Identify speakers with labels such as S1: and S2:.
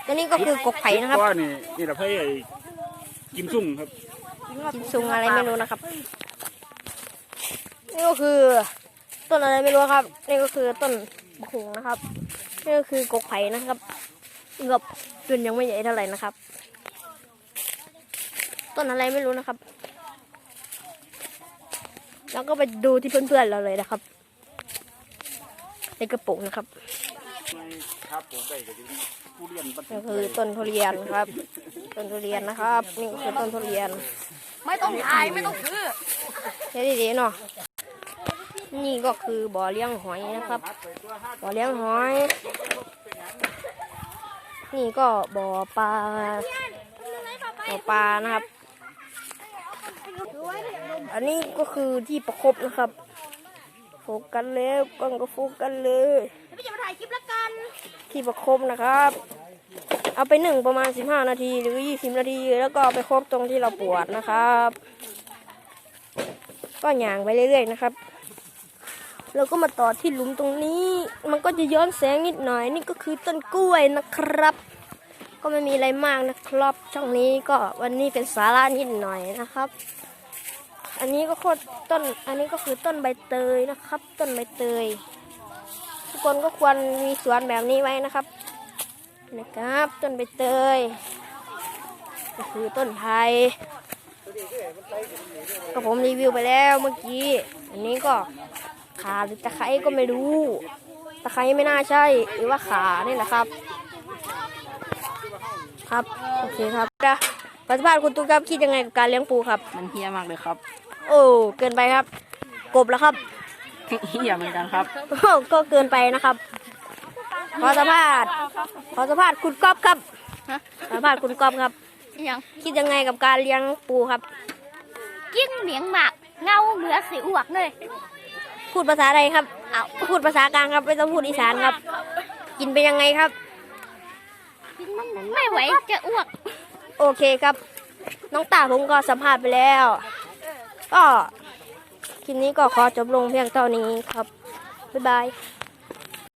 S1: ตัวนี้ก็คือกกไผ่นะครับ
S2: นี่เราให้กิมซุ่งครับ
S1: กิมซุงอะไรไม่รู้นะครับนี่ก็คือต้นอะไรไม่รู้ครับนี่ก็คือต้นบกหงนะครับนี่ก็คือกกไผ่นะครับกับต้นยังไม่ใหญ่เท่าไหร่นะครับต้นอะไรไม่รู้นะครับแล้วก็ไปดูที่เพื่อนๆเราเลยนะครับในกระปุกนะครับนี่คือต้นทุเรียนครับต้นทุเรียนนะครับนี่คือต้นทุเรียน
S3: ไม่ต้องถ่ายไม่ต้องซื้อ
S1: ใช่ดีๆเนาะนี่ก็คือบ่อเลี้ยงหอยนะครับบ่อเลี้ยงหอยนี่ก็บ่อปลานะครับอันนี้ก็คือที่ประคบนะครับโฟกัสแล้วกล้องก็โฟกัสเลย
S3: ไม่จะมาถ่ายคลิปละกัน
S1: ที่ประคบนะครับเอาไปนึ่งประมาณ15 นาทีหรือ20 นาทีแล้วก็ไปครบตรงที่เราปวดนะครับก็หย่างไปเรื่อยๆนะครับเราก็มาต่อที่หลุมตรงนี้มันก็จะย้อนแสงนิดหน่อยนี่ก็คือต้นกล้วยนะครับก็ไม่มีอะไรมากนะครับช่องนี้ก็วันนี้เป็นสาระนิดหน่อยนะครับอันนี้ก็อันนี้ก็คือต้นใบเตยนะครับต้นใบเตยทุกคนก็ควรมีสวนแบบนี้ไว้นะครับต้นใบเตยก็คือต้นไผ่ก็ผมรีวิวไปแล้วเมื่อกี้อันนี้ก็ขาหรือตะไคร้ก็ไม่รู้ตะไคร้ไม่น่าใช่หรือว่าขานี่แหละครับครับโอเคครับปัจจุบันคุณตุ๊กครับคิดยังไงกับการเลี้ยงปูครับ
S3: มันเฮี้ยมากเลยครับ
S1: โอ้เกินไปครับกบแล้วครับ
S3: เฮี้ยเหมือนกันครับ
S1: ก็เกินไปนะครับขอสัมภาษณ์คุณก๊อฟครับสัมภาษณ์คุณก๊อฟครับคิดยังไงกับการเลี้ยงปูครับ
S3: ยิ่งเลี้ยงหมากเงาเหลือสีอ้วกเลย
S1: พูดภาษาอะไรครับพูดภาษากลางครับไม่ต้องพูดอีสานครับกินไปยังไงครับ
S3: ไม่ไหวจะอ้วก
S1: โอเคครับน้องตาผมก็สัมภาษณ์ไปแล้วก็คลิปนี้ก็ขอจบลงเพียงเท่านี้ครับบ๊ายบาย